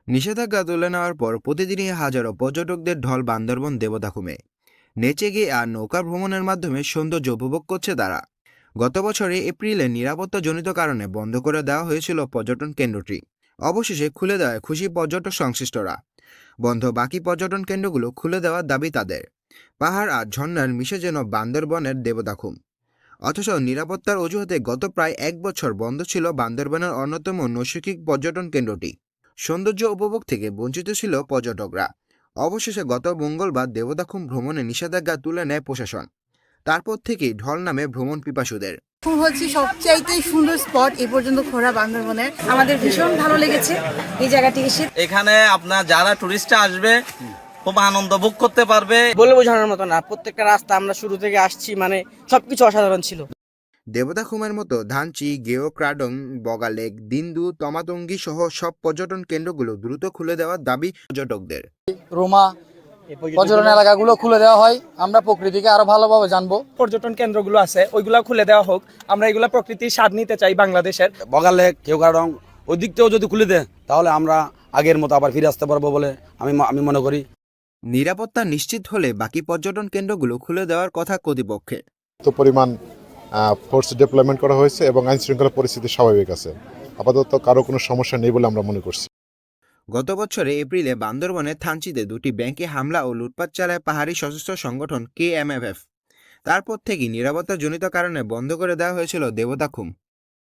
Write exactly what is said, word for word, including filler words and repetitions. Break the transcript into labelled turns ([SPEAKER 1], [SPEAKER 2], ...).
[SPEAKER 1] নিষেধাজ্ঞা তুলে নেওয়ার পর প্রতিদিনই হাজারো পর্যটকদের ঢল বান্দরবন দেবদাখুমে নেচে গিয়ে আর নৌকা ভ্রমণের মাধ্যমে সৌন্দর্য উপভোগ করছে তারা। গত বছরে এপ্রিলে নিরাপত্তাজনিত কারণে বন্ধ করে দেওয়া হয়েছিল পর্যটন কেন্দ্রটি। অবশেষে খুলে দেওয়ায় খুশি পর্যটক সংশ্লিষ্টরা। বন্ধ বাকি পর্যটন কেন্দ্রগুলো খুলে দেওয়ার দাবি তাদের। পাহাড় আর ঝর্ণার মিশে যেন বান্দরবনের দেবদাখুম। অথচ নিরাপত্তার অজুহাতে গত প্রায় এক বছর বন্ধ ছিল বান্দরবনের অন্যতম নৈসর্গিক পর্যটন কেন্দ্রটি। সৌন্দর্য উপভোগ থেকে বঞ্চিত ছিল পর্যটকরা। অবশেষে গত মঙ্গলবার দেবদাখুম ভ্রমণে নিষেধাজ্ঞা তুলে নেয় প্রশাসন। তারপর থেকেই ঢল নামে ভ্রমণ পিপাসুদের।
[SPEAKER 2] হচ্ছে সবচাইতে সুন্দর স্পট এ পর্যন্ত ঘোরা বান্দরবনের। আমাদের ভীষণ ভালো লেগেছে এই জায়গাটি এসে।
[SPEAKER 3] এখানে আপনার যারা টুরিস্টরা আসবে খুব আনন্দ ভোগ করতে পারবে,
[SPEAKER 4] বলে বোঝানোর মতো না। প্রত্যেকটা রাস্তা আমরা শুরু থেকে আসছি, মানে সবকিছু অসাধারণ ছিল।
[SPEAKER 1] দেবদাখুমের মতো ধানচি, গেও ক্রাডং, বগালেক, দিন্দু, তমাতঙ্গি সহ সব পর্যটন কেন্দ্রগুলো দ্রুত খুলে দেওয়ার দাবি পর্যটকদের।
[SPEAKER 5] রোমা পর্যটন এলাকাগুলো খুলে দেওয়া হয়, আমরা প্রকৃতিকে আরো ভালোভাবে জানবো।
[SPEAKER 6] পর্যটন কেন্দ্রগুলো আছে ওইগুলো খুলে দেওয়া হোক, আমরা এগুলা প্রকৃতির স্বাদ নিতে চাই বাংলাদেশের।
[SPEAKER 7] বগালেক, কেওগাড়ং ওই দিকটাও যদি খুলে দেয় তাহলে আমরা আগের মতো আবার ফিরে আসতে পারবো বলে আমি আমি মনে করি।
[SPEAKER 1] নিরাপত্তা নিশ্চিত হলে বাকি পর্যটন কেন্দ্রগুলো খুলে দেওয়ার কথা কর্তৃপক্ষের।
[SPEAKER 8] তো পরিমাণ ফোর্স ডেপ্লয়মেন্ট করা হয়েছে এবং আইন শৃঙ্খলা পরিস্থিতি স্বাভাবিক আছে। আপাতত কারো কোনো সমস্যা নেই বলে আমরা মনে করছি।
[SPEAKER 1] গত বছরে এপ্রিলে বান্দরবনের থানচিতে দুটি ব্যাংকে হামলা ও লুটপাট চালায় পাহাড়ি সশস্ত্র সংগঠন কে এম এফ এফ। তারপর থেকেই নিরাপত্তাজনিত কারণে বন্ধ করে দেওয়া হয়েছিল দেবদাখুম।